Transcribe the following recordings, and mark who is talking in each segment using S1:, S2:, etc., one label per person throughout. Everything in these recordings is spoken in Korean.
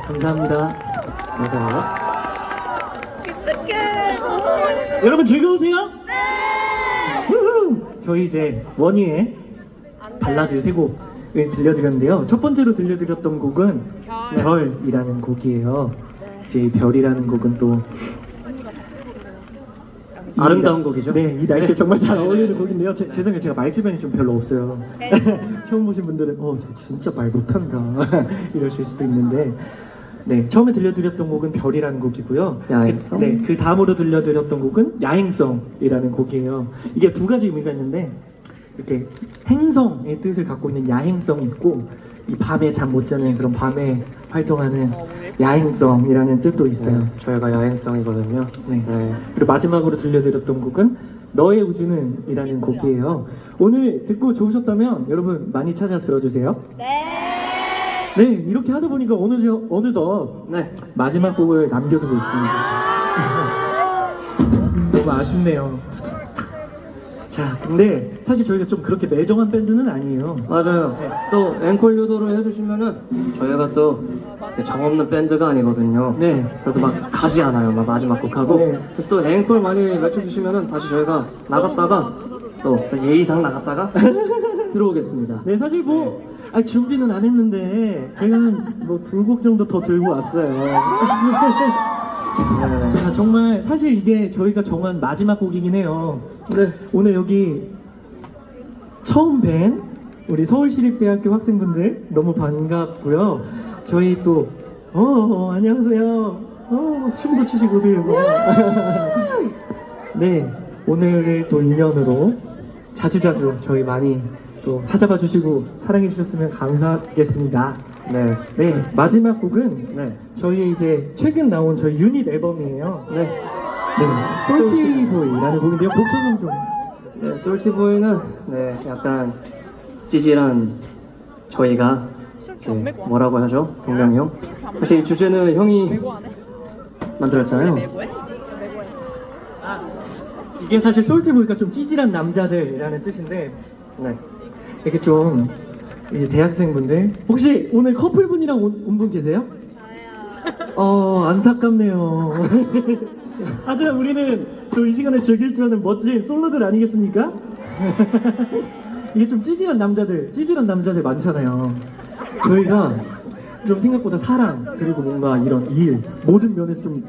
S1: 감사합니다.
S2: 감사합니다.
S3: 어떡해.
S1: 여러분 즐거우세요? 네! 저희 이제 원희의 발라드 세 곡을 들려드렸는데요. 첫 번째로 들려드렸던 곡은 별이라는 곡이에요. 이제 이 별이라는 곡은 또
S2: 아름다운 곡이죠?
S1: 네, 이 날씨에 정말 잘 어울리는 곡인데요. 죄송해요, 제가 말 주변이 좀 별로 없어요. 처음 보신 분들은 저 진짜 말 못한다 이러실 수도 있는데, 네, 처음에 들려드렸던 곡은 별이라는 곡이고요.
S2: 야행성?
S1: 그 다음으로 들려드렸던 곡은 야행성이라는 곡이에요. 이게 두 가지 의미가 있는데, 이렇게 행성의 뜻을 갖고 있는 야행성이 있고, 이 밤에 잠 못 자는 그런 밤에 활동하는 야행성이라는 뜻도 있어요.
S2: 네, 저희가 야행성이거든요.
S1: 네. 그리고 마지막으로 들려드렸던 곡은 너의 우주는 이라는 곡이에요. 오늘 듣고 좋으셨다면 여러분 많이 찾아 들어주세요. 네, 이렇게 하다 보니까 어느덧
S2: 네.
S1: 마지막 곡을 남겨두고 있습니다. 너무 아쉽네요. 자, 근데 사실 저희가 좀 그렇게 매정한 밴드는 아니에요.
S2: 맞아요. 또 앵콜 유도를 해주시면은 저희가 또 정 없는 밴드가 아니거든요.
S1: 네.
S2: 그래서 막 가지 않아요. 막 마지막 곡 하고.
S1: 네.
S2: 그래서 또 앵콜 많이 외쳐주시면은 다시 저희가 나갔다가 또 예의상 나갔다가 들어오겠습니다.
S1: 네, 사실 준비는 안 했는데 저희가 뭐 두 곡 정도 더 들고 왔어요. 정말 사실 이게 저희가 정한 마지막 곡이긴 해요.
S2: 네.
S1: 오늘 여기 처음 뵌 우리 서울시립대학교 학생분들 너무 반갑고요. 저희 또 안녕하세요. 춤도 추시고 들어서 네, 오늘을 또 인연으로 자주자주 저희 많이 또 찾아봐 주시고 사랑해 주셨으면 감사하겠습니다. 네, 마지막 곡은
S2: 네.
S1: 저희 이제 최근 나온 저희 유닛 앨범이에요.
S2: 네.
S1: 솔티보이라는 곡인데요. 곡 설명 좀.
S2: 네, 솔티보이는 약간 찌질한 저희가 이제 뭐라고 하죠? 동명이 형? 사실 이 주제는 형이 만들었잖아요.
S1: 이게 사실 솔티보이가 좀 찌질한 남자들이라는 뜻인데,
S2: 네.
S1: 이렇게 좀 대학생분들 혹시 오늘 커플분이랑 온 분 계세요? 안타깝네요. 하지만 우리는 또 이 시간을 즐길 줄 아는 멋진 솔로들 아니겠습니까? 이게 좀 찌질한 남자들 많잖아요. 저희가 좀 생각보다 사랑 그리고 뭔가 이런 일 모든 면에서 좀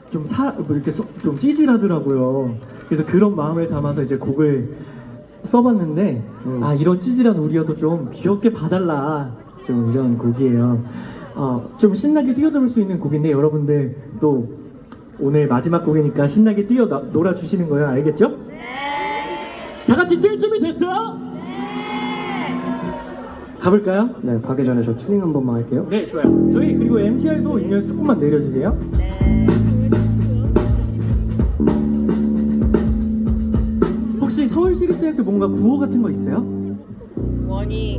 S1: 찌질하더라고요. 그래서 그런 마음을 담아서 이제 곡을 써봤는데 이런 찌질한 우리여도 좀 귀엽게 봐달라, 좀 이런 곡이에요. 좀 신나게 뛰어놀 수 있는 곡인데 여러분들 또 오늘 마지막 곡이니까 신나게 놀아주시는 거예요. 알겠죠? 네. 다 같이 뛸 준비 됐어요? 네. 가볼까요?
S2: 네, 가기 전에 저 튜닝 한 번만 할게요.
S1: 네, 좋아요. 저희 그리고 MTR도 인연에서 조금만 내려주세요. 혹시 서울시립대학교 뭔가 구호 같은 거 있어요?
S3: 원희.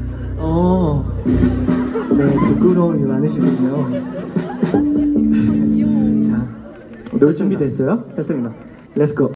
S1: 네, 부끄러움이 많으시군요. 자, 놀 준비 됐어요?
S2: 했습니다.
S1: 렛츠고.